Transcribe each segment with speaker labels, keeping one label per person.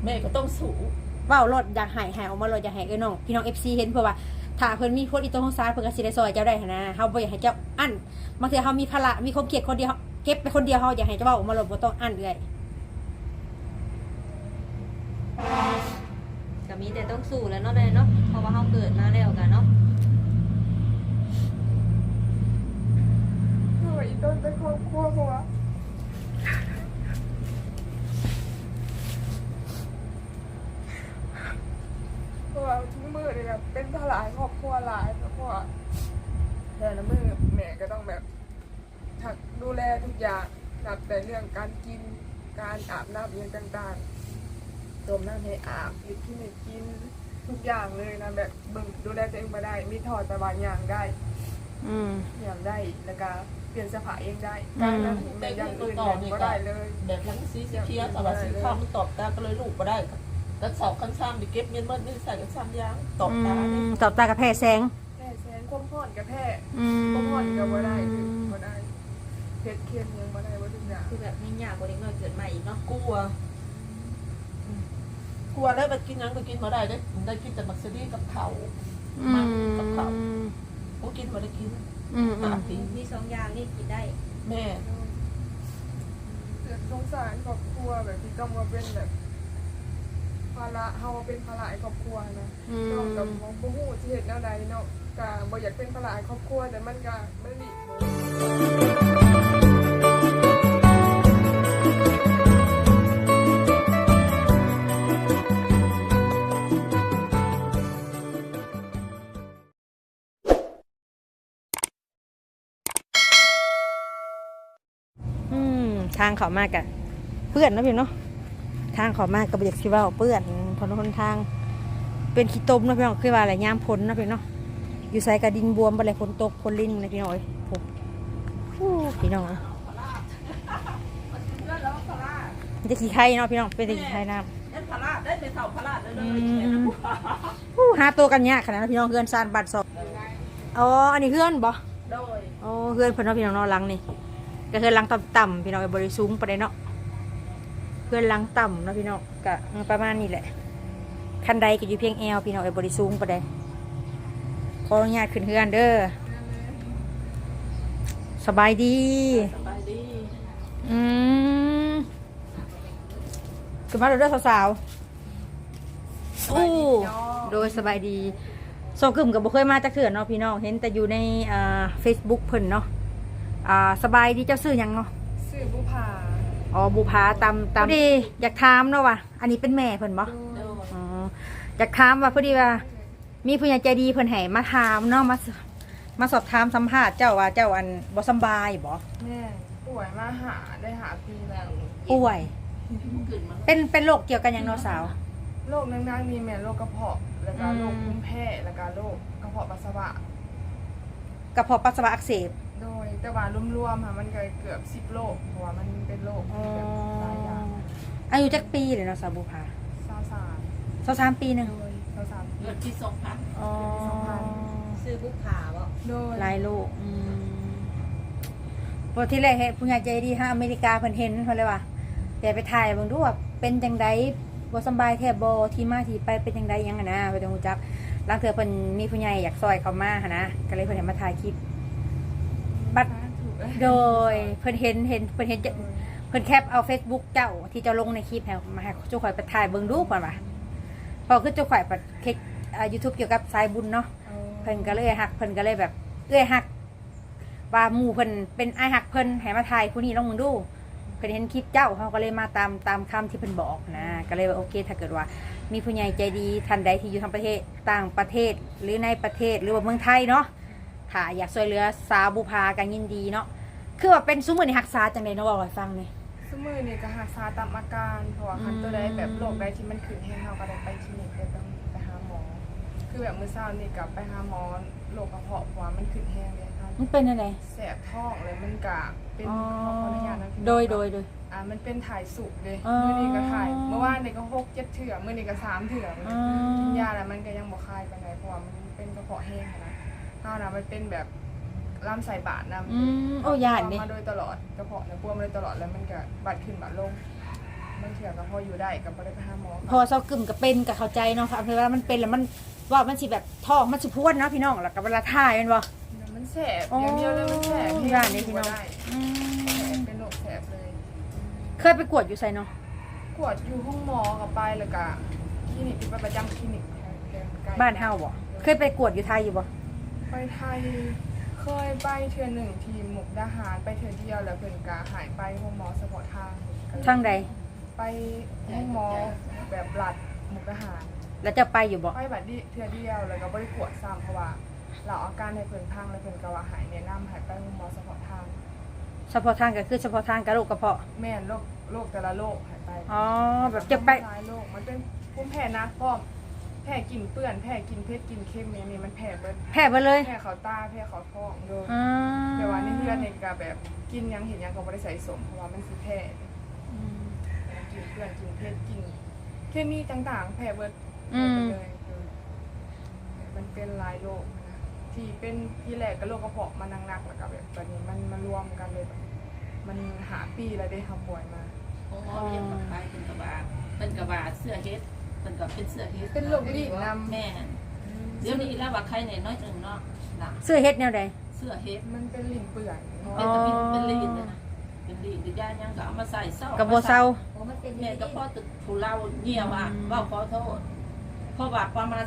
Speaker 1: แม่ก็ต้องสู้
Speaker 2: เว้ารถอยากหายออกมารถอยากหายน้องพี่น้อง FC เห็นเพื่อว่าถ้าเพิ่นมีโพสต์อีตัวของซ้ายเพิ่นก็สิได้ซอยเจ้าได้นะเฮาบ่อยากให้เจ้าอั้นบางทีเฮามีภาระมีความเครียดคนเดียวเก็บไปคนเดียวเฮาอยากให้เจ้าเว้าออกมารถบ่ต้องอั้นเลย
Speaker 3: ก็มีแต่ต้องสู้แล้วเนาะเลยเนาะเพราะว่าเฮาเกิดมาแล้วกันเนาะ
Speaker 4: อีต้นเป็นครอบครัวเพราะว่าทุกมือเลยแบบเป็นภาระครอบครัวหลายเพราะว่าแต่ละมือแม่ก็ต้องแบบถักดูแลทุกอย่างนับแต่เรื่องการกินการอาบน้ำอย่างต่างๆต้มน้ำให้อาบหรือกินให้กินทุกอย่างเลยนะแบบบึงดูแลตัวเองมาได้มีถอดแต่บางอย่างได้อย่างได้แล้วก็เปลี่ยนเสื้อผ้าเองได้การนั้นแต่อย่างอื่นแบบก็ได้เลย
Speaker 1: แบบทั้งสีเขียวแต่ว่าสีขาวมันตอบตาก็เลยลูกก็ได้กันสอบคันซ้ำดิเก็บเงินมันไม่ใส่กันซ้ำยางตอบตา
Speaker 2: ตอบตากับแพ้แสง
Speaker 4: แสงความผ่อนกับแพ้ความผ่อนกับบ่ได้บ่ได้เพชรเค็มยังบ่ได้บ่ถึงอย่าง
Speaker 3: คือแบบไม่ยากกว่าเด็กน้อยเกิดใหม่อีกเนาะ
Speaker 1: กลัวแล้วไปกินยังไปกินมาได้ได้กินแต่มักซรี่กับเขามันกับเขากูกินมาได้กิน
Speaker 3: มี2อย่างนี่กินได้
Speaker 1: แม่
Speaker 4: สงสารครอบครัวแบบที่ต้องมาเป็นแบบภาระเฮาเป็นภาระครอบครัวนะน้องกับบ่ฮู้สิเฮ็ดแนวใดเนาะก็บ่อยากเป็นภาระครอบครัวแต่มันก็บ่ได้
Speaker 2: ทางเขามากอะเปื้อนนะพี่เนาะทางเขามากกับอยากสิว่าเปื้อนถนนทางเป็นขี้ตมนะพี่น้องคือว่าอะไรย่ามพ้นนะพี่เนาะอยู่ใส่กระดินบวมอะไรฝนตกฝนลิ้นนะพี่น้องพี่น้องจะขี้ไข่เนาะพี่น้องเป็นขี้ไข่น้ำ
Speaker 1: ได้ไปเสาพลาดเลย
Speaker 2: หาตัวกันยากขนาดนั้นพี่น้องเพื่อนซานบัตรสอบอ๋ออันนี้เพื่อนบ่อ๋อเพื่อนเพื่อนพี่น้องนอนหลังนี่ก็คือลังต่ำๆพี่น้องบริสูงไปเลยเนาะเพื่อนลังต่ำเนาะพี่น้องก็ประมาณนี้แหละคันใดก็อยู่เพียงแอลพี่น้องบริสูงไปเลยขออนุญาตขึ้นเพื่อนเด้อสบายดีขึ้นมาเด้อสาวๆโอ้โดยสบายดีโซกึ่มกับบุเคยมาจากเถื่อนเนาะพี่น้องเห็นแต่อยู่ในFacebook เพิ่นเนาะสบายดีเจ้าซื้อยังเนาะ
Speaker 4: ซื้อบุพา
Speaker 2: อ๋อบุพาตามดีอยากถามเนาะว่ะอันนี้เป็นแม่เพิ่นบ่อ๋ออยากถามว่าพอดีว่ามีผู้ใหญ่ใจดีเพิ่นให้มาถามเนาะมาสอบถามสัมภาษณ์เจ้าว่าเจ้าอันบ่สบายบ่
Speaker 4: แม่ป่วยมาหาปีแล้ว
Speaker 2: ป่วยเป็นโรคเกี่ยวกันยังเนาะสาว
Speaker 4: โรคนั่งๆนี่แม่โรคกระเพาะแล้วก็โรคภูมิแพ้แล้วก็โรคกระเพาะปัสสาวะ
Speaker 2: อักเสบ
Speaker 4: โดยแต่ว่ารวมๆค่ะมันเกือบ10โรคเพราะว่ามันเป็นโรคแบบหลายอย่าง
Speaker 2: อายุจักปีเลยเนาะสาวบุภา23ปีนึง
Speaker 4: 23ปี
Speaker 1: ที่2,000
Speaker 2: อ๋อ
Speaker 3: ซื้อบุพาบ่
Speaker 4: โดย
Speaker 2: หลายโรคพอที่แรกเห็นผู้ใหญ่ใจดีฮะอเมริกาเพิ่นเห็นเพิ่นเลยว่าแต่ไปถ่ายเบิ่งดูว่าเป็นจังได๋บ่สบายแท้บ่ที่มาที่ไปเป็นจังได๋ยังนะไปต้องรู้จักลางเทื่อเพิ่นมีผู้ใหญ่อยากซอยเข้ามาหั่นนะก็เลยเพิ่นให้มาถ่ายคลิปบัดโดยเพิ่นเห็นเพิ่นแคปเอา Facebook เจ้าที่เจ้าลงในคลิปให้มาให้เจ้าข่อยไปถ่ายเบิ่งดูเพิ่นว่าพอคือเจ้าข่อยไปคลิกYouTube เกี่ยวกับสายบุญเนาะเพิ่นก็เลยฮักเพิ่นก็เลยแบบฮักว่าหมู่เพิ่นเป็นอ้ายฮักเพิ่นให้มาถ่ายผู้นี้ลองมึงดูเพิ่นเห็นคลิปเจ้าเขาก็เลยมาตามคำที่เพิ่นบอกนะก็เลยว่าโอเคถ้าเกิดว่ามีผู้ใหญ่ใจดีท่านใดที่อยู่ทางประเทศต่างประเทศหรือในประเทศหรือว่าเมืองไทยเนาะถ้าอยากช่วยเหลือสาวบุพากันยินดีเนาะคือว่าเป็นซุมื้อนี่รักษาจังได๋เนาะบอกให้ฟังนี่
Speaker 4: ซุมื้อนี่ก็รักษาตามอาการเพราะว่าคันตัวใดแบบโรคใดที่มันขึ้นให้เฮาก็ได้ไปคลินิกไปหาหมอคือแบบมื้อเช้านี่ก็ไปหาหมอโรคกระเพาะเพราะว่ามันขึ้นแฮงเลยค่ะ
Speaker 2: มันเป็นจังได๋
Speaker 4: แสบท้องเลยมันก็เป็นขออนุญาตนะ
Speaker 2: โดย
Speaker 4: มันเป็นถ่ายสุกเลยมื้อนี้ก็ถ่ายเมื่อวานนี่ก็6 7เถื่อมื้อนี้ก็3เถื่อกินยาแล้วมันก็ยังบ่คลายปานใดเพราะว่ามันเป็นกระเพาะแห้งนะเฮาน่ะมันเป็นแบบลำไส้บาดนำ
Speaker 2: โอ้ย่านนี่
Speaker 4: มาโดยตลอดกระเพาะเนี่ยปวดมาโดยตลอดแล้วมันก็บาดขึ้นบาดลงบางเถื่อก็พออยู่ได้ก็บ่ได้ไปหาหมอ
Speaker 2: พอเซากึ่มก็เป็นก็เข้าใจเนาะค่ะเพราะว่ามันเป็นแล้วมันว่ามันสิแบบท้องมันสิพวนเนาะพี่น้องแล้วก็เวลาถ่ายแม่นบ่
Speaker 4: มันแสบอย่างเดียวเลยมันแสบ
Speaker 2: ย่านนี้พี่น้อง
Speaker 4: ได้
Speaker 2: อืม
Speaker 4: เป็นโรคแสบเลย
Speaker 2: เคยไปกวดอยู่ไสเนาะ
Speaker 4: กวดอยู่ห้องหมอกับไปแล้วก็คลินิกที่ไปประจำคลินิกแถวใกล้ๆ
Speaker 2: บ้านเฮาบ่เคยไปกวดอยู่ไทยอยู่บ่
Speaker 4: ไปไทยเคยไปเทื่อหนึ่งทีมมุกดาหารไปเทื่อเดียวแล้วเพิ่นก็หายไปห้องหมอเฉพาะทาง
Speaker 2: ทางใด
Speaker 4: ไปห้องหมอแบบหลัดมุกดาหาร
Speaker 2: แล้วจะไปอยู่บ่
Speaker 4: ไปบัดนี้เทื่อเดียวแล้วก็บ่ได้กวดซ้ำเพราะว่าเราอาการให้เพิ่นพังแล้วเพิ่นก็ว่าหายแนะนำให้ไปห้องหมอเฉพาะทาง
Speaker 2: เฉพาะทางก็คือเฉพาะทางกระโหลกกระเพาะ
Speaker 4: แม่นโรคแต่ละโรคหายไป
Speaker 2: อ๋อแบบจะไป
Speaker 4: หลายโรคมันเป็นภูมิแพ้หนักพร้อมแพ้กินเปื้อนแพ้กินเผ็ดกินเค็มอย่างนี้มันแพ้เบิด
Speaker 2: แพ้ไปเลย
Speaker 4: แพ้เขาตาแพ้เขาท้องโดย
Speaker 2: อืม
Speaker 4: แต่ว่าในเพื่อนในกาแบบกินหยังเห็นหยังก็บ่ได้ใส่สมเพราะว่ามันสิแพ้กินเปื้อนกินเผ็ดกินเคมีต่างๆแพ้เบิดหมดเลยมันเป็นหลายโรคนะที่เป็นที่แรกก็โรคกระเพาะมันหนักๆแล้วก็แบบตอนนี้มันมารวมกันเลยแบบมันหาปีแล้วได้ทำป่วยมา
Speaker 1: โอ้เรียกคนไปเป็นกระบาดเสื้อเฮ็ดเป็นกับเป็นเสื้อเฮ็ด
Speaker 4: เป็นโรครีดนำ
Speaker 1: แม่เดี๋ยวนี้แล้วว่าใครเนี่ยน้อยจังเนาะนะ
Speaker 2: เสื้อเฮ็ดแนวใด
Speaker 1: เสื้อเฮ็ด
Speaker 4: มันเป็นลิ้นเปื่อยเนาะ
Speaker 1: เป็นตะมินเป็นลีนเลยนะเป็นลีนหรือยายังก็เอามาใส่เศร้า
Speaker 2: กับบ่เซา
Speaker 3: โอ้มันเป็น
Speaker 1: แม่ก็พ่อตึกถูเล่าเงี่ยว่าว่าขอโทษเพราะว่าประมาณ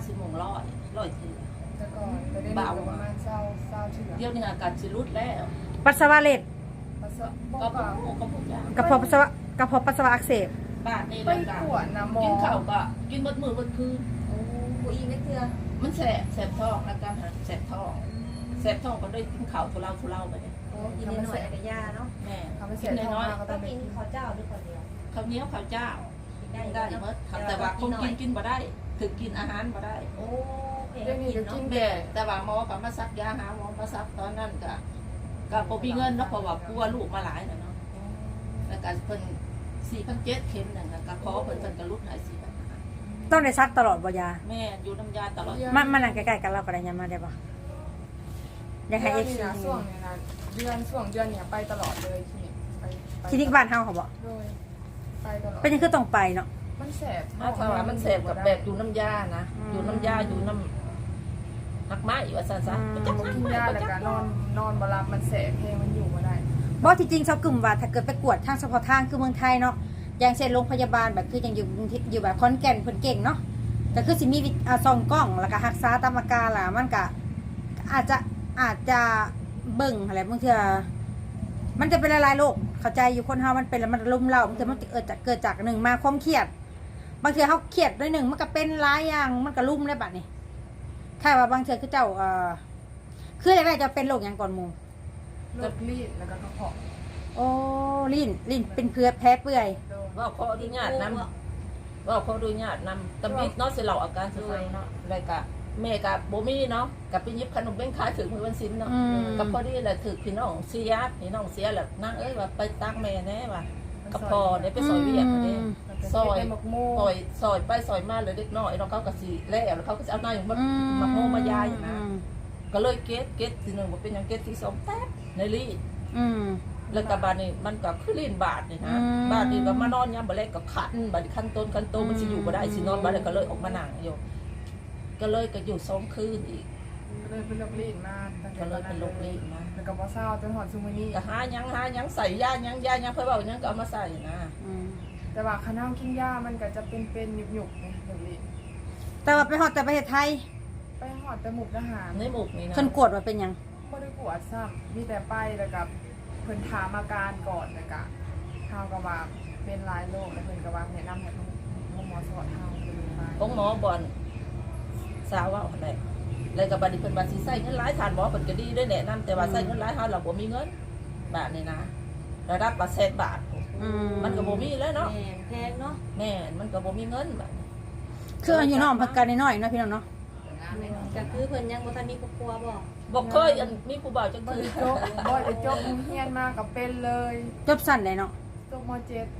Speaker 1: 10 เถื่อ
Speaker 4: แต่ก่อนจะได้ดูประมาณเศร้าเถื่อ
Speaker 1: เดี๋ยวนี้อาการสิรุดแล้ว
Speaker 2: ปัสสาวะเล็ด
Speaker 4: ปัสสาวะ
Speaker 1: ก็
Speaker 4: ก็
Speaker 1: ก็พวกยาก
Speaker 2: ระเพาะปัสสาวะกระเพาะปัสสาวะอักเสบ
Speaker 1: บ้านนี่
Speaker 4: ไป
Speaker 1: แล้ว
Speaker 4: กวดนะหมอ
Speaker 1: กินข้าวก็กินหมดมื้อหมดคืน
Speaker 3: โอ้ผู้อีกไม่เทื่อ
Speaker 1: มันแสบท้องอาการแสบท้องก็ได้กินข้าวทุเล่าไปเนี่ย
Speaker 3: โอ้กินนิดหน่อยกับยาเนาะ
Speaker 1: แม่
Speaker 4: ทำให้เสี
Speaker 1: กิ
Speaker 4: ย
Speaker 1: น
Speaker 4: ท้อง
Speaker 1: น้อย
Speaker 4: มากก็
Speaker 3: ต้
Speaker 4: ต้
Speaker 3: อ
Speaker 4: อง ง
Speaker 3: กินข้าวเจ้าด้วยคนเดียว
Speaker 1: ๆข้าวเหนียวข้าวเจ้า
Speaker 3: กินได้
Speaker 1: ได้หมดแต่ว่าคงกินบ่ได้ถึงกินอาหารบ่ได้
Speaker 3: โอ้เพล
Speaker 4: เรื่องนี้ก็กิน
Speaker 1: แม่แต่ว่าหมอก็มาซักยาหาหมอมาซักตอนนั้นก็บ่มีเงินเนาะเพราะว่ากลัวลูกมาหลายน่ะเนาะแล้วก็เพิ่น4,700เข็มนั่นก็ขอเพิ่นก็ลดให้4,500
Speaker 2: ต้องได้ซักตลอดบ่ยา
Speaker 1: แม่อยู่น้ำยาตลอด
Speaker 2: มันนั่งใกล้ๆกันเราก็ได้ยามมาได้บ่อยากให้
Speaker 4: เดือน
Speaker 2: FC
Speaker 4: นี้นะช่วงนี้นะช่วงเดือนเนี่ยไปตลอดเลยคลินิกไป
Speaker 2: คลินิกบ้านเฮาเขาบ่
Speaker 4: โดยไปตลอด
Speaker 2: เป็นยังคือต้องไปเนาะ
Speaker 4: มันแสบ
Speaker 1: ถ้าว่ามันแสบกับแบบอยู่น้ำยานะอยู่น้ำยาอยู่น้ำหักไม้ว่าซั่นซะ
Speaker 4: กินยาแล้วก็นอนบ่หลับมันแสบเพลงมันอยู่บ่ได้
Speaker 2: บ่ที่จริงเซากึ่มว่าถ้าเกิดไปกวดทางเฉพาะทางคือเมืองไทยเนาะอย่างเช่นโรงพยาบาลแบบคือยังอยู่แบบขอนแก่นเพิ่นเก่งเนาะก็คือสิมีส่องกล้องแล้วก็รักษาตามอาการล่ะมันก็อาจจะเบิ่งอะไรบางเทื่อมันจะเป็นหลายๆโรคเข้าใจอยู่คนเฮามันเป็นแล้วมันรุมเร้าบางเทื่อมันเกิดจากหนึ่งมาความเครียดบางเทื่อเฮาเครียดด้วยหนึ่งมันก็เป็นหลายอย่างมันก็รุมได้บัดนี้ใช่ว่าบางเทื่อคือเจ้าคือแรกๆจะเป็นโรคหยังก่อนหมู่
Speaker 4: โรครีดแล้วก็กระเพาะ
Speaker 2: โอ้ลิ้นเป็นแพ้เปื่อย
Speaker 4: โดน
Speaker 1: ว่าขออนุญาตนำว่าขออนุญาตนำตำบิดเนาะสิเราอาการสิฟังเนาะแล้วก็แม่กับบ่มีเนาะกับไปหยิบขนมเบ้งขายถึงมื้อวันศิลป์เนาะ กับพอดีแหละถือพี่น้องเสียแหละนั่งว่าไปตั้งแม่แน่ว่ะกับพอได้ไปซอยเวียกเด้ซอยซอยไปซอยมาเลยเด็กน้อยเนาะเขาก็สิแล้วเขาก็สิเอาหน้าอย่างมาโมมายายนะก็เลยเก็ตทีนึงบ่เป็นหยังเก็ตที่2แป๊บในลีดแล้วก็บาดนี้มันก็คือลีนบาดนี่นะบาดนี้ก็มานอนยามบ่แลก็ขันบาดนี้ขั้นต้นมันสิอยู่บ่ได้สินอนบ่ได้ก็เลยออกมานั่งอยู่ก็เลยก็อยู่2คืนอีก
Speaker 4: ก็เลยเป็นโรครีดมาตั้งแต่
Speaker 1: ก็เลยเป็นโรครีดนะ
Speaker 4: แล้วก็บ่เศร้าจนหอดซุมื้อนี้
Speaker 1: ก็หายังใส่ยายังเพื่อว่ายังก็เอามาใส่นะ
Speaker 4: แต่ว่าคณะกินยามันก็จะเป็นหยุกๆนะเดี๋ยวนี้
Speaker 2: แต่ว่าไปฮอดแต่ประเทศไทย
Speaker 4: ไปหอดแต่หมุกทหาร
Speaker 1: ในหมกนี่นะ
Speaker 2: เพิ่นกวดว่าเป็นหยัง
Speaker 4: บ่ได้กวดซ้ำมีแต่ไปแล้วก็เพิ่นถามอาการก่อนแล้วก็เฮาก็ว่าเป็นหลายโรคแล้วเพิ่นก็ว่าแนะนำให้หมอสอนเฮาเพิ่นไป
Speaker 1: ของหมอบอลสาวว่าอะไรเลยกับบัดนี้เพิ่นว่าสิใส่เงินหลายทานหมอเพิ่นก็ดีด้วยแนะนำแต่ว่าใส่เงินหลายเฮาเราบ่มีเงินบาทนี่นะระดับละ100,000 บาทมันก็บ่มีแล้วเนาะ
Speaker 3: แพงเนาะ
Speaker 1: แม่มันก็บ่มีเงินบาด
Speaker 2: คืออายุน้องพักกันน้อยๆเนาะพี่น้องเนาะ
Speaker 3: ก็คือเพิ่นยังบ่ทันมีครอบครัวบ่
Speaker 1: บ่เคยมีผู้บ่าวจัง
Speaker 4: บ่
Speaker 1: คือ
Speaker 4: ได้จบเฮียนมาก็เป็นเลย
Speaker 2: จบสั้นเลยเนาะ
Speaker 4: จบม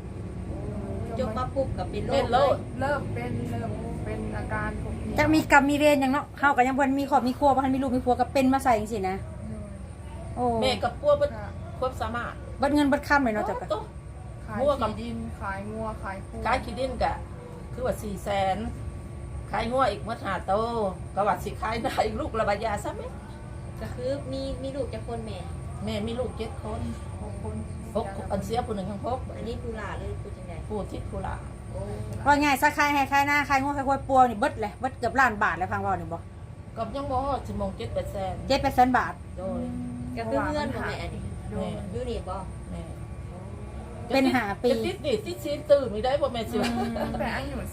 Speaker 4: .7
Speaker 3: จบมาปุ๊บก็เป็นโร
Speaker 1: เป็น
Speaker 3: ค
Speaker 1: โล
Speaker 3: เลย
Speaker 1: ด
Speaker 4: เริ่มเป็นอาการของพี่
Speaker 2: จะมีกรรมมีเวรหยังเนาะเฮาก็ยังเพิ่นมีครอบมีครัวบ่ทันมีลูกมีผัวก็เป็นมาใส่จังซี่นะโอ้
Speaker 1: แม่กับปัวเบิดควบสามารถ
Speaker 2: เบิดเงินเบิดค่ำเลยเนาะจ้ะก็
Speaker 1: โต
Speaker 4: คขาย
Speaker 1: งัวกับ
Speaker 4: ที่ดินขายงัวขายคู
Speaker 1: ขายขี้ดินกะคือว่า400,000ขายงัวอีกมา5โตก็ว่าสิขายได้อีกลูกละบาทยาซะไหม
Speaker 3: ก็คือมีลูกจากคนแม่
Speaker 1: แม่มีลูก7 คน
Speaker 4: 6 คน
Speaker 1: 6อันเสียผู้หนึ่งทั้ง6
Speaker 3: อันนี้ผู้หลาเลยผู้จังได๋
Speaker 1: ผู้ทิศผู้หลา
Speaker 3: โอ้
Speaker 2: ว่าไงซะใครให้ใครหน้าใครงัวใครควายปัวนี่เบิดเลยเบิดเกือบล้านบาทแล้วพังเว่านี่บ่
Speaker 1: ก็ยังบ่ฮอดสิมง7-800,000
Speaker 2: 700,000 บาท
Speaker 1: โดย
Speaker 3: ก็คือเพื่อนบ่แม่อันนี้
Speaker 4: โดย
Speaker 3: อยู่นี่บ่
Speaker 1: แม่
Speaker 2: เป็นหาปี
Speaker 1: จะติดนี่ติดซีตื่นไม่ได้บ่แม่สิ
Speaker 4: ตั้งแต่อายุ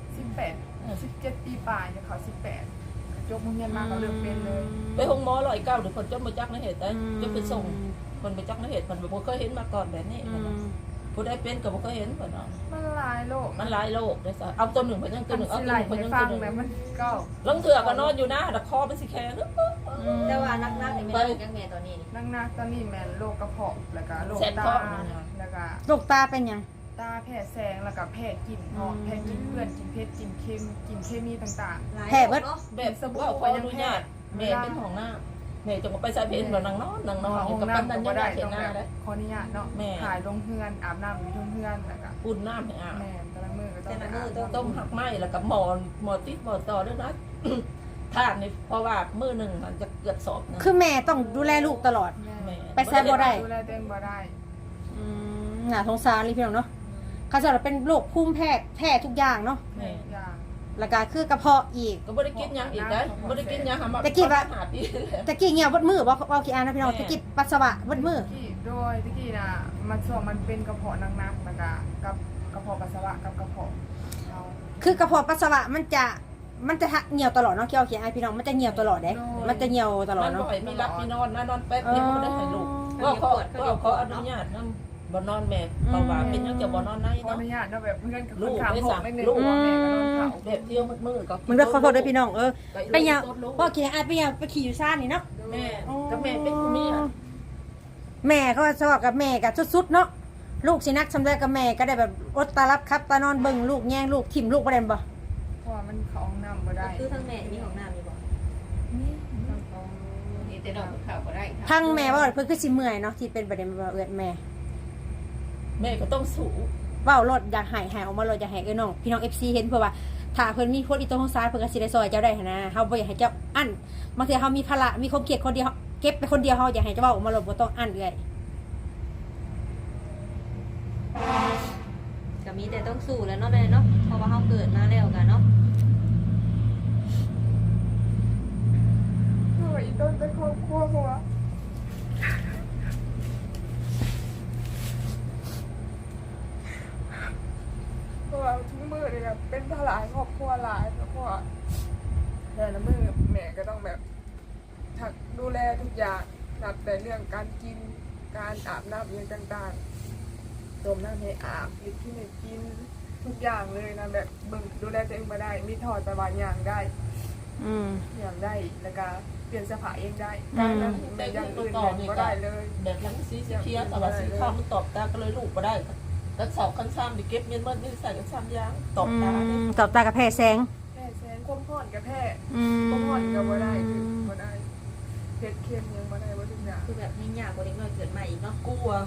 Speaker 4: 17 ปีปลายเนี่ยเขา18ยกมือเงินมาก็เริ่มเป็นเลย
Speaker 1: ไปห้องหมอ109เดี๋ยวคนจะมาจักในเหตุได้จะไปส่งคนไปจักในเหตุมันบ่เคยเห็นมาก่อนแบบนี้ผู้ใดเป็นก็บ่เคยเห็นเพิ่นเนาะ
Speaker 4: มันหลายโลก
Speaker 1: มันหลายโรคได้ซะเอาตัวหนึ่งเพิ่นยังตัวหนึ่งเอา
Speaker 4: สิ
Speaker 1: ตัว
Speaker 4: ไหล
Speaker 1: หนึ่งเพิ่นยัง
Speaker 4: ให้ฟั
Speaker 1: ตัว
Speaker 4: ง
Speaker 1: หนึ่ง
Speaker 4: แบบมันก็
Speaker 1: ลงเถื่อก็นอนอยู่นะแต่คอมันสิแข็ง
Speaker 3: แต่ว่านักๆนี่แม่ลูกจังแม่ตอนนี้นี่
Speaker 4: นักๆตอนนี้แม่นโรคกระเพาะแล้วก็โรคตาแล้วก็
Speaker 2: ลูกตาเป็นหยัง
Speaker 4: ตาแพ้แสงแล้วก็แพ้กลิ่นหอมแพ้กลิ่นเพื่อนกลิ่นเพชรกลิ่นเค็มกลิ่นเคมีต่าง
Speaker 3: หลาย
Speaker 2: แพ้เบิด
Speaker 3: เนาะ
Speaker 1: แบบว่าขออนุญาตแม่เป็นห้องน้ำแม่จะไปใส่เพนบ่นางนอน
Speaker 4: ๆ
Speaker 1: นี่
Speaker 4: ห้อง
Speaker 1: กับ
Speaker 4: น้ำ
Speaker 1: ปัน
Speaker 4: ก็
Speaker 1: นัน
Speaker 4: บ่
Speaker 1: ยัง
Speaker 4: ได้
Speaker 1: ได้เห็น
Speaker 4: ต้อง
Speaker 1: หน้า
Speaker 4: แบบ
Speaker 1: ได้
Speaker 4: ขออนุญาตเนาะ
Speaker 1: แม่
Speaker 4: ถ่ายลงเฮือนอาบน้ำอยู่ทุ่งเฮือนแล้วก็
Speaker 1: อุ่นน้ำให้อาบ
Speaker 4: แม่แต่ละมือก็ต้อง
Speaker 3: แต่ละมื้อ
Speaker 4: อาบ
Speaker 1: ต้มหักไหมแล้วกับหมอติดหมอต่อด้วยนะ ทานนี่เพราะว่ามื้อหนึ่งมันจะเกือบสอบนึง
Speaker 2: คือแม่ต้องดูแลลูกตลอด
Speaker 4: แม่
Speaker 2: ไปแซ่บบ่ได้
Speaker 4: ดูแลตัวเองบ่ได้
Speaker 2: น่าสงสารเลยพี่น้องเนาะเขาจะเป็นโรคภูมิแพ้ทุกอย่างเนาะ
Speaker 1: แม่
Speaker 4: อย่าง
Speaker 2: แล้วก็คือกระเพาะอีก
Speaker 1: ก็บ่ได้กินหยังอีกได้บ่ได้กินหยังหามา
Speaker 2: แต่กินว่า
Speaker 1: หาปีแล้ว
Speaker 2: ตะกี้เงียวเบดมือบ่เอากี่อันนะพี่น้องตะกี้ปัสสาวะเบดมือ
Speaker 4: ที่โดยที่กี้น่ะมันช่วงมันเป็นกระเพาะหนักๆแล้วก็กับกระเพาะปัสสาวะกับกระเพาะเขา
Speaker 2: คือกระเพาะปัสสาวะมันจะเหี่ยวตลอดเนาะเกี่ยวกับไอพี่น้องมันจะเหี่ยวตลอดเด้มันจะเหี่ยวตลอด
Speaker 1: มัน
Speaker 2: เนาะ
Speaker 1: บ่ให้มีรับมีนอนนะนอนแป๊บเดียวบ่ได้ให้ลูกก็ขออนุญาตนำบ่นอนแม่เพราะว่าเป็นหยังจะบ่นอนใน
Speaker 4: ขออ
Speaker 1: เนาะ
Speaker 4: นุญาตเนาะแบบเพื่อนกับ
Speaker 1: ลู
Speaker 4: คน
Speaker 1: ก
Speaker 4: ถาม
Speaker 1: ได้
Speaker 4: ผม
Speaker 1: สั่ง
Speaker 4: ไม่นึก
Speaker 1: ลูก
Speaker 4: ว่าแม่ก็โดนเผา
Speaker 1: แบบเที่ยวมืดๆก็
Speaker 2: มึงได้ขอโทษด้วยพี่น้องไปยาวพ่อกินไอไปยาวไปขี่อยู่ซ่านนี่เนาะ
Speaker 1: แม่กับแม่เป็นผู้มีอ่ะ
Speaker 2: แม่เขาชอบกับแม่กับสุดๆเนาะลูกสินักสำเร็จกับแม่ก็ได้แบบอดตารับครับตานอนเบิ่งลูกแย่งลูกทิ่มลูกบ่ได้บ่
Speaker 4: เพราะว่ามันเขาห้องน้ำบ่ได้
Speaker 3: คือทั้งแม่มีของน้ำนี่บ่
Speaker 1: นี่แต่ดอกข่าวบ่ได้
Speaker 2: พังแม่ว่าเพิ่นคือสิเมื่อยเนาะที่เป็นประเด็นว่าเอื้อนแม่
Speaker 1: แม่ก็ต้องสู้
Speaker 2: เว้ารถอยากหายออกมารถอยากให้น้องพี่น้อง FC เห็นเพื่อว่าถ้าเพิ่นมีโพสต์อีโต้ของซ้ายเพิ่นก็สิได้ซอยเจ้าได้หันนะเฮาบ่อยากให้เจ้าอั้นบางทีเฮามีภาระมีความเครียดคนเดียวเก็บไปคนเดียวเฮาอยากให้เจ้าเว้าออกมารถบ่ต้องอั้นเอื้อย
Speaker 3: ก็มีแต่ต้องสู้แล้วเนาะแม่เนาะเพราะว่าเฮาเกิดมาแล้วกันเนาะ
Speaker 4: เพราะว่าอีต้นเป็นครอบครัวเพราะว่าทุกมือเลยแบบเป็นภาระครอบครัวหลายแล้วก็แต่ละมือแม่ก็ต้องแบบถักดูแลทุกอย่างนับแต่เรื่องการกินการอาบน้ำอย่างต่างๆต้มน้ำให้อาบกินที่ไหนกินทุกอย่างเลยนะแบบบึงดูแลตัวเองมาได้มีถอดไปบางอย่างได้ อย่างได้แล้วก็เปลี่ยนเสภาเองได้การนั้นแต่อย่างอื่นก็ได้เลย
Speaker 1: แบบยังสีเขียวแต่ว่าสีขาวมันตอบตาก็เลยลูกบ่ได้ก็สอบขั้นซ้ำดิเก็บเงินเมื่อนี่ใส่กันซ้ำยางตอบตา
Speaker 2: ตอบตากับแพ้แสง
Speaker 4: แพ้แสงความห่อนกับแพ้ความห่อนกับบ่ได้คือบ่ได้เผ็ดเค็มยังบ่ได้บ่ทุกอย่าง
Speaker 3: คือแบบยิ่งยากกว่าเด็กน้อยเกิดใหม่อีกเนาะ
Speaker 1: กลัว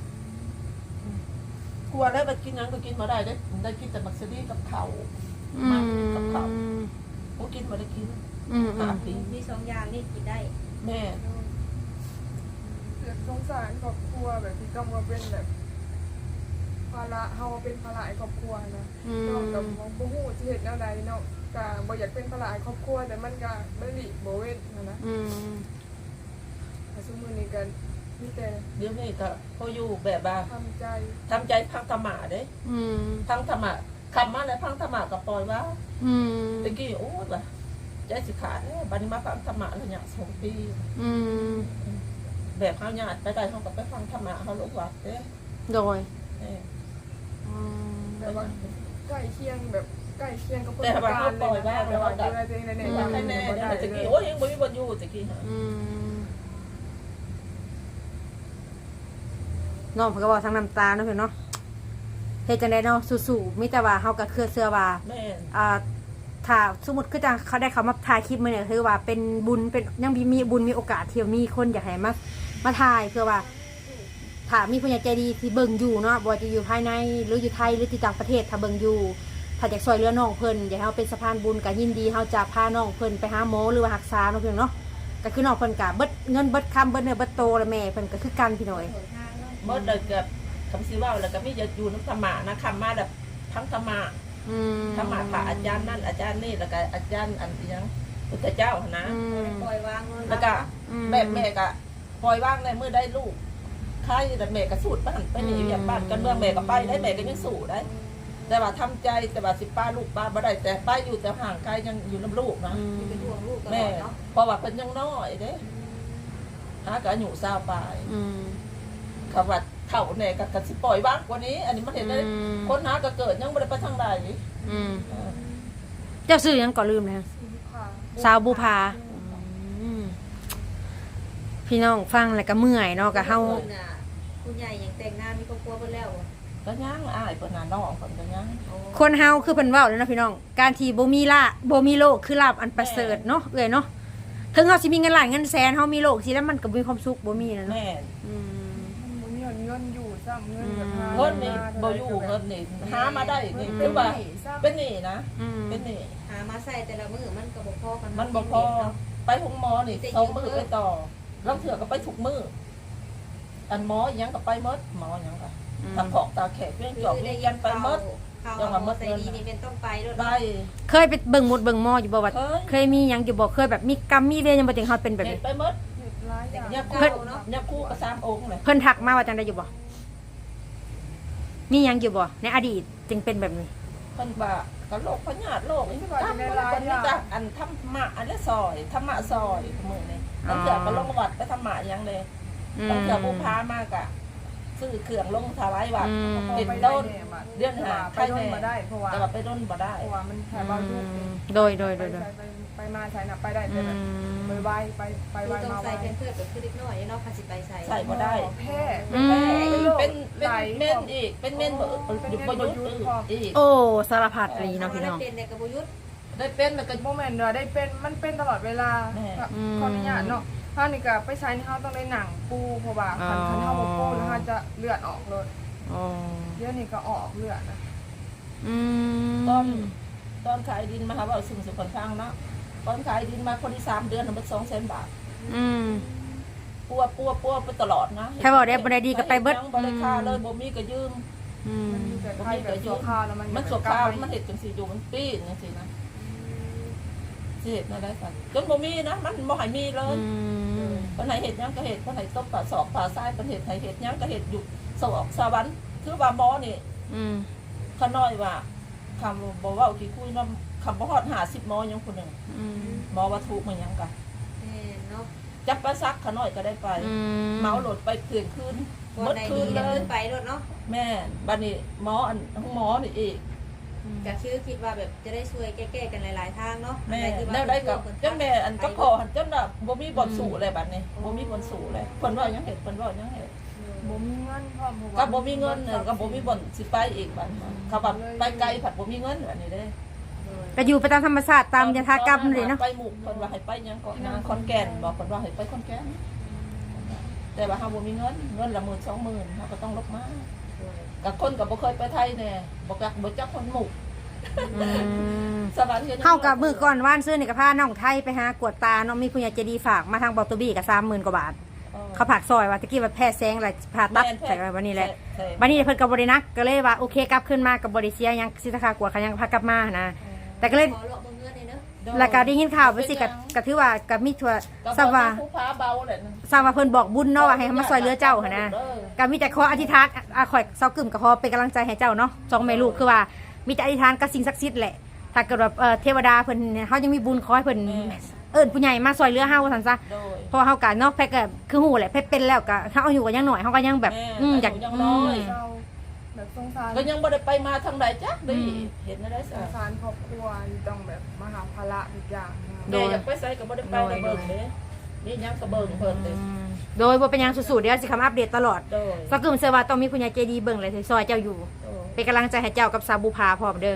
Speaker 1: แล้วไปกินยังก็กินมาได้ได้กินแต่มักซดีกับเขามันกับเขาก็กินมาได้กินหาปี
Speaker 3: มีสองอย่างนี่กินได้
Speaker 1: แม่
Speaker 4: เกิดสงสารครอบครัวแบบที่ต้องมาเป็นแบบภาระเฮาเป็นภาระครอบครัวนะนอกจากบ่ฮู้สิเฮ็ดแนวใดเนาะก็บ่อยากเป็นภาระครอบครัวแต่มันก็บ่หลีกบ่เว้นนะแต่ซุมื้อนี้ก็มีแต่
Speaker 1: เดี๋ยวนี้ก็เขาอยู่แบบว่า
Speaker 4: ทำใจ
Speaker 1: ทำใจพังธรรมะเด้พังธรรมะคำมาแล้วพังธรรมะก็ปล่อยว่าตะกี้โอ้ยว่ะใจสิขาดแล้วบัดนี้มาฟังธรรมะแล้วเนี่ย2 ปีแบบเขาญาติไปได้เขาก็ไปฟังธรรมะเขาลูกวัดเด้
Speaker 2: โดย
Speaker 4: แต่ว่าใกล้เคียงแบบใกล้เคียงกับคน
Speaker 1: แต่ว่าเขาปล่อยว่า
Speaker 4: แต่ว่าดูแลตัวเองใน
Speaker 1: อยากให้แน่เนี่ยตะกี้โอ้ยยังบ่มีบ่อยู่ตะกี้ฮะ
Speaker 2: น้องเพิ่นก็บอกทั้งน้ำตาเนาะเพิ่นเนาะเฮ็ดจังได๋เนาะสู้ๆมีแต่ว่าเฮาก็คือเชื่อว่า
Speaker 1: แม่
Speaker 2: ถ้าสมมุติคือจังเขาได้เขามาถ่ายคลิปมื้อนี้คือว่าเป็นบุญเป็นยังมีบุญมีโอกาสที่มีคนอยากให้มาถ่ายเพื่อว่าถ้ามีผู้ใหญ่ใจดีที่เบิ่งอยู่เนาะบ่ว่าจะอยู่ภายในหรืออยู่ไทยหรือที่ต่างประเทศถ้าเบิ่งอยู่ถ้าอยากช่วยเหลือน้องเพิ่นอยากให้เฮาเป็นสะพานบุญก็ยินดีเฮาจะพาน้องเพิ่นไปหาหมอหรือว่ารักษาเนาะพี่น้องเนาะก็คือน้องเพิ่นก็เบิดเงินเบิดคำเบิดเนื้อเบิดโตแล้วแม่เพิ่นก็คือกันพี่น้อย
Speaker 1: เมื่อเด็กกับคำซื้อว่าแล้วก็มีจะอยู่น้ำธรรมะนะคำมาแบบทั้งธรรมะธรรมะพระอาจารย์นั่นอาจารย์นี่แล้วก็อาจารย์อันยังพุทธเจ้านะ
Speaker 3: ปล่อยวางเงิน
Speaker 1: แล้วก็แม่ก็ปล่อยว่างในเมื่อได้ลูกใครแต่แม่ก็สู้บ้านไปหนีอย่างบ้านกันเมืองแม่ก็ไปได้แม่ก็ยังสู้ได้ แต่ว่าทำใจแต่ว่าสิป้าลูกป้าบ่ได้แต่ป้าอยู่แต่ห่างไกลยังอยู่น้ำลูกนะ
Speaker 3: เป็นห่วงลูกตล
Speaker 1: แม่
Speaker 3: อดเนาะ
Speaker 1: เพราะว่าเพิ่นยังน้อยเด้หาก็อายุ20ปลายเขาว่าเฒ่าแน่ก็สิปล่อยว่างกว่านี้ อันนี้มันเห็นได้คนหาก็เกิดยังบ่ได้ไปทางใด
Speaker 2: เจ้าซื้อยังก่อนลืมเลย
Speaker 4: ค่ะ
Speaker 2: สาวบุภาพี่น้องฟังแล้วก็เมื่อยเนาะก็เฮา
Speaker 3: คุณใหญ่ยังแต่งงานมีครอบครัวเพิ่นแล้ว
Speaker 1: ก็ยังอ้ายเพิ่นน่ะน้องเพิ่นก็ยัง
Speaker 2: คนเฮาคือเพิ่นเว้าเลยนะพี่น้องการที่บ่มีละบ่มีโลกคือลาภอันประเสริฐเนาะเอ้ยเนาะถึงเฮาสิมีเงินล้านเงินแสนเฮามีโลกสิแล้วมันก็มีความสุขบ่มีนะเนาะ
Speaker 1: แม่
Speaker 4: มันมีเงินอยู่ซ้ำเงินแบบหา
Speaker 1: เงินนี่บ่อยู่เงินนี่หามาได้นี่คือว่าเป็นหนี้นะเป็นหนี้
Speaker 3: หามาใส่แต่ละมื้อมันก็บ่พอกัน
Speaker 1: มันบ่พอไปหงหมอนี่2มื้อไปต่อลางเทื่อก็ไปทุกมื้ออันหมออีหยังก็ไปหมดหมอหยังก็ตาขอกตาแขกเรื่องจอกเรื่องยันไปหมด
Speaker 3: ยังว่าใส่ดีนี่เป็นต้องไปด้วย
Speaker 1: ไป
Speaker 2: เคยไปเบิ่งหมดเบิ่งหมออยู่บ่ว่า
Speaker 1: เคย
Speaker 2: เคยมีหยังอยู่บ่เคยแบบมีกรรมมีเวรยังบ่ถึงเฮาเป็นแบบ
Speaker 1: เห็
Speaker 2: นี้
Speaker 1: นไปหมด
Speaker 4: เห็ดร้ายอย่าง
Speaker 1: ยัก
Speaker 3: เพิ่น
Speaker 1: คู่กับ3องค์เลย
Speaker 2: เพิ่นทักมาว่าจังได๋อยู่บ่มีหยังอยู่บ่ในอดีตจึงเป็นแบบนี้
Speaker 1: เพิ่นว่าก็โรคพยาธิโรคอีกตามเพิ่นมีแต่อันธรรมะอันละซอยธรรมะซอยมื้อนี้บางเทื่อก็ลงวัดไปธรรมะหยังเลยบางเทื่อผู้พามากะซื้อเครื่องลงถวายวัดเป็นต้นเดือนหา
Speaker 4: ไปโดนมาได้เพราะว่า
Speaker 1: แต่ว่าไปด้นบ่ได้
Speaker 4: เพราะว่ามันแค่บางยุค
Speaker 2: โดย
Speaker 4: ไปมาใช้นับไปได้แต่แบบไปไวไป
Speaker 3: คือ
Speaker 4: ไว
Speaker 3: ต้อง
Speaker 4: มาไว
Speaker 3: ใส่เป็นเพื่อนแบบคือเล็กน้อยเนาะคันสิไปใส่
Speaker 1: ใส่บ่ได้
Speaker 4: แพ้
Speaker 1: เป็นเม่นอีกเป็นเม่นบ่อยู่บ่ยุดอีก
Speaker 2: โอ้สารพัดเลยเนาะพี่น้อง
Speaker 3: เป็นในกระบุยุทธ
Speaker 1: ได้เป็นแล้วก็
Speaker 4: โมเมนต์ได้เป็นมันเป็นตลอดเวลาขออนุญาตเนาะถ้านี่ก็ไปใช้นี่เขาต้องได้หนังปูเพราะว่าคันเท้าโมปูแล้วเขาจะเลือดออกเลย
Speaker 2: อ๋อ
Speaker 4: เดี๋ยวนี้ก็ออกเลือดนะ
Speaker 1: ตอนขายดินมาหาว่าสุ่มสุขฟังเนาะตอนขายดินมาคนที่3เดือนมัน200,000 บาทปัวไปตลอดนะ
Speaker 2: ถ้าบอกได้บ่ได้ดีก็ไปเบิด
Speaker 1: บ่ได้ค่าเลยบ่มีก็ยืม
Speaker 4: มันมีแต่ไข้แบบชั่วคราวแล้วมัน
Speaker 1: มันสวข้าวมันเห็ดจังสีอยู่มันปีนจังสีนะสิเห็ดนั่นได้สัตว์จนบ่มีนะมันบ่ให้มีเลยปานไหนเห็ดยังก็เห็ดปานไหนต้มปลาสอบปลาทรายปานเห็ดไหนเห็ดยังก็เห็ดอยู่สวรรค์สวรรค์คือว่าหมอนี่ขน้อยว่าคำบ่เว้ากี่คุยนำคำบ่ฮอด50หมอยังคนนึงหมอว่าถูกมันยังกะ
Speaker 3: เนาะ
Speaker 1: จับปลาซักขน้อยก็ได้ไปเมาโหลดไปเที่ยงคืนหมดคืนเลย
Speaker 3: ไปรถเนาะ
Speaker 1: แม่บัดนี้หมออันหมอนี่อีก
Speaker 3: ก็คือคิดว่าแบบจะได้ช่วยแก้ๆกันหลายๆทางเนาะ
Speaker 1: แม่แล้วได้กับเจ้าแม่อันก็พอหันเจ้าน่ะบ่มีบ่อนสู่เลยบัดนี้บ่มีบ่อนสู่เลยเพิ่นว่ายังเฮ็ดเพิ่นว่ายังเฮ็ด
Speaker 4: บ่มีเงินพร้อม
Speaker 1: ก็บ่มีเงินก็บ่มีบ่อนสิไปอีกบัดเขาว่าไปไกลผัดบ่มีเงินอันนี้เด้
Speaker 2: ก็อยู่ไปตามธรรมชาติตามยถากรรมเลยเนาะ
Speaker 1: ไปหมู่เพิ่นว่าให้ไปยังเกาะนางขอนแก่นบอกเพิ่นว่าให้ไปขอนแก่นแต่ว่าเฮาบ่มีเงินละ10,000 20,000เฮาก็ต้องลบมากับคนก็บ่เคยไปไทยแน่บ่จักคนหมู่สวัสดี
Speaker 2: เฮากับมื้อก่อนว่านซื้อนี่ก็พาน้องไทยไปหากวดตาเนาะมีผู้ใหญ่ใจดีฝากมาทางบอตบี้ก็30,000 กว่าบาทเขาผักซอยว่าตะกี้ว่าแพ้แซงแล้วผ่าตัดใส่วันนี้แหละวันนี้เพิ่นก็บ่ได้นักก็เลยว่าโอเคกลับขึ้นมาก็บ่ได้เสียหยังสิราคากวดเขายังพากลับมานะแต่ก็เลย
Speaker 3: ขอเลาะเบิ่งเงินเลยเนาะ
Speaker 2: แล้วก็ได้ยินข่าวไปสิก็ถือว่าก็มีทั่วทราบว่า
Speaker 1: ผู้พาเบาแหละ
Speaker 2: ทราบว่าเพิ่นบอกบุญเนาะว่าให้มาซอยเหลือเจ้าหั่นนะก็มีแต่ขออธิษฐานข่อยเซากึ่มก็ขอเป็นกำลังใจให้เจ้าเนาะสองแม่ลูกคือว่ามีแต่อธิษฐานกับสิ่งศักดิ์สิทธิ์แหละถ้าเกิดแบบเทวดาเพิ่นเฮายังมีบุญขอให้เพิ่นเอิ้นผู้ใหญ่มาซอยเหลือเฮาซั่นซะเพราะเฮาก็เนาะแพ็กก็คือฮู้แหละแพ็กเป็นแล้วก็เฮาอายุก็ยังน้อยเฮาก็ยังแบบอยาก
Speaker 4: แบบสงสาร
Speaker 1: ก็ยังบ่ได้ไปมาทางใดจักดิเห็นได้
Speaker 4: ส
Speaker 1: ซะ
Speaker 4: งสารครอบครัวต้องแบบมาหาภาระอีกอย่าง
Speaker 1: แม่อยากไปไสก็บ่ได้ไปเบิ่งเด้นี่ยังก็เบิ่งเพิ่นเด้
Speaker 2: โดยบ่เป็นหยังสุดๆเดี๋ยวสิคำอัปเดตตลอด
Speaker 1: โดย
Speaker 2: สักกึ่มเชื่อว่าต้องมีผู้ใหญ่ใจดีเบิ่งเลยซอยเจ้าอยู่เป็นกำลังใจให้เจ้ากับสาวบุภาพร้อมเด้อ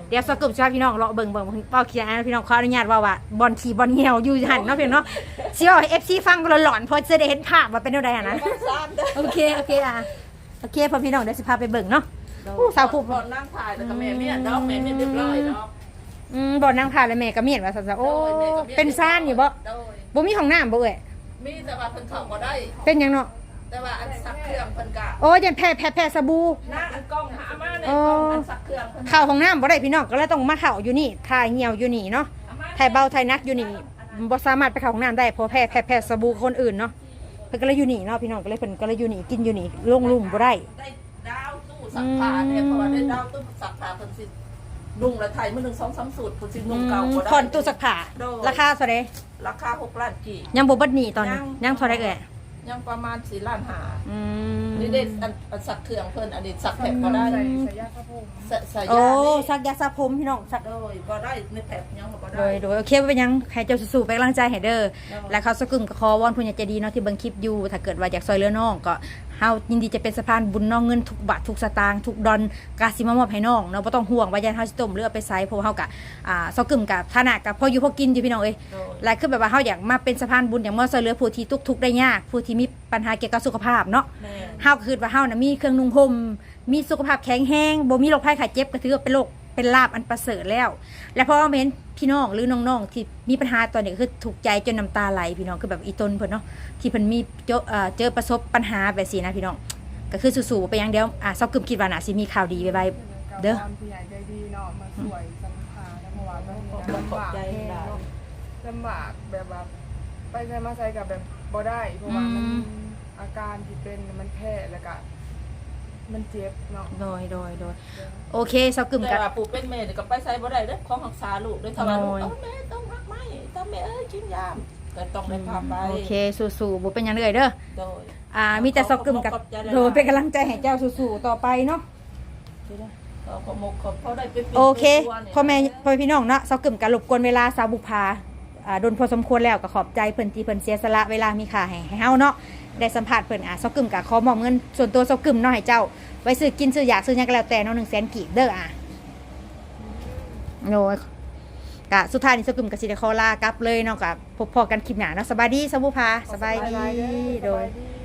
Speaker 2: เดี๋ยวสกุลชาวพี่น้องเลาะเบิ่งเว้าเขียนพี่น้องขออนุญาตว่าบอลขี่บอลเหี่ยวอยู่หั่นเนาะพี่น้องเนาะสิว่าให้ FC ฟังก็หลอนๆเพราะจะได้เห็นภาพว่าเป็นจังได๋อ่ะนะ
Speaker 1: ซ้ำเด้อ
Speaker 2: โอเคอ่ะโอเคพอพี่น้องเดี๋ยวสิพาไปเบิ่งเนาะสาวผู้
Speaker 1: บ่นั่งถ่ายแล้วก็แม่เมียดอกแม่เมียเรียบร้อยดอก
Speaker 2: บ่นั่งทานแล้วแม่ก็เมียนว่าซั่นๆโอ้เป็นซ่านอยู่บ่
Speaker 1: โดย
Speaker 2: บ่มีห้องน้ำบ่เอ้ย
Speaker 1: มีแต่ว่าเพิ่นเข้าบ่ได้
Speaker 2: เป็นหยังเนาะ
Speaker 1: แต่ว่าอันซักเครื่องเพิ่นก็
Speaker 2: โอ้ยันแพ้สบู่
Speaker 1: นั่งอันกล้องหามาในกล้องอันซักเครื่องเพิ่น
Speaker 2: เข้าห้องน้ำบ่ได้พี่น้องก็เลยต้องมาเข้าอยู่นี่ถ่ายเหี่ยวอยู่นี่เนาะถ่ายเบาถ่ายนักอยู่นี่บ่สามารถไปเข้าห้องน้ำได้เพราะแพ้สบู่คนอื่นเนาะเพิ่นก็เลยอยู่นี่เนาะพี่น้องก็เลยเพิ่นก็เลยอยู่นี่กินอยู่นี่ลงลุ่มบ่ได้
Speaker 1: ได้ดาวตู้ซักผ้าเนี่ยเพราะว่าได้ดาวตู้ซักผ้าเพิ่นสินุ่งละไทยมื้อนึง2-3สูตรเพิ่นสินุ่งเก่าบ่ได้
Speaker 2: ผ่อนตู้ซักผ้าราคาเท่าใด
Speaker 1: ราคา6ล้านกี่
Speaker 2: ยังบ่เบิดหนี้ตอนนี้ยังเท่าใดเอ่ย
Speaker 1: ยังประมาณ4ล้านห้า
Speaker 2: อืม
Speaker 1: นี่ได้อันซักเครื่องเพิ่นอันนี้ซักแผลบ่ได้
Speaker 4: ใส่ยาสระผม
Speaker 1: ใส่
Speaker 2: โอ้
Speaker 1: ยานี่
Speaker 2: ซักยาสระผมพี่น้องซัก
Speaker 1: โดยบ่ได้ในแผลยังบ่
Speaker 2: โด
Speaker 1: ได้
Speaker 2: ยโอเคบ่เป็นหยังให้เจ้าสู้ๆเป็นกำลังใจให้เด้อและเขาสกึมก็ขอวอนผู้ใหญ่ใจดีเนาะที่เบิ่งคลิปอยู่ถ้าเกิดว่าอยากซอยเหลือน้องก็เฮายินดีจะเป็นสะพานบุญน้องเงินทุกบาททุกสตางค์ทุกดอนกาสิมามอบให้น้องเนาะบ่ต้องห่วงว่ายันเฮาสิต้มหรือเอาไปใช้เพราะว่าเฮาก็สกึมกับฐานะก็พออยู่พอกินอยู่พี่น้องเอ้ย
Speaker 1: โดย
Speaker 2: และคือแบบว่าเฮาอยากมาเป็นสะพานบุญอย่างมาซอยเหลือผู้ที่ทุกข์ได้ยากผู้ที่มีปัญหาเกี่ยวกับสุขภาพเนาะ
Speaker 1: แม่
Speaker 2: เฮาก็คือว่าเฮาน่ะมีเครื่องนุ่งห่มมีสุขภาพแข็งแรงบ่มีโรคภัยไข้เจ็บก็ถือว่าเป็นโรคเป็นลาภอันประเสริฐแล้ว และพอมาเห็นพี่น้องหรือน้องๆที่มีปัญหาตอนนี้ก็คือถูกใจจนน้ำตาไหลพี่น้องคือแบบอีตนเพิ่นเนาะที่เพิ่นมีเจอประสบปัญหาแบบนี้นะพี่น้องก็คือสู้ๆไปอย่างเดียวซอกกึมคิดว่าน่ะสิมีข่าวดีบ๊ายบายเด้อ
Speaker 4: ผู้ใหญ่ใจดีเนาะมาสวยสัมภาระเพราะว่ามัน
Speaker 1: ขอบ
Speaker 4: ลำบาก
Speaker 1: ใจ
Speaker 4: แห้ง
Speaker 1: หลาย
Speaker 4: เนาะลำบากแบบว่าไปใช้มาใช้กับแบบบ่ได้เพราะว่ามันอาการที่เป็นมันแพ้แล้วก็มันเจ็บเนาะ
Speaker 2: โดยโอเคซอกกึม
Speaker 1: แต่
Speaker 2: กับ
Speaker 1: ว่าปู่เป็นแม่นี่ก็ไปใส่บ่ได้เด้อของรักษาลูกด้วยถ้าว่าลูก
Speaker 2: โอ้ย
Speaker 1: แม่ต้องพักไหมถ้าแม่กินยาก็ต้องได้พาไป
Speaker 2: โอเคสู้ๆบ่เป็นหยังเลยเด้อ
Speaker 1: โดย
Speaker 2: มีแต่ซอกกึมกับโดยเป็นกำลังใจให้เจ้าสู้ๆต่อไปเนาะ
Speaker 1: ขอมกขอเขาได้ไปป็น
Speaker 2: โอเค
Speaker 1: ตัวนี่ย
Speaker 2: พ่อแม่พี่น้องเนาะเซากึ่มกันรบกวนเวลาสาวบุพาโดนพอสมควรแล้วก็ขอบใจเพิ่นที่เพิ่นเสียสละเวลามีค่าให้เฮาเนาะได้สัมภาษณ์เพิ่นเซากึ่มก็ขอมอบเงินส่วนตัวเซากึ่มเนาะให้เจ้าไว้ซื้อกินซื้ออยากซื้อหยังก็แล้วแต่เนาะ100,000กีบเด้อโอ้ยกะสุดท้ายนี่เซากึ่มก็สิได้ขอลากลับเลยเนาะก็พบพอกันคลิปหน้าเนาะสบายดีสาวบุพาสบายดีโดย
Speaker 4: สบายดี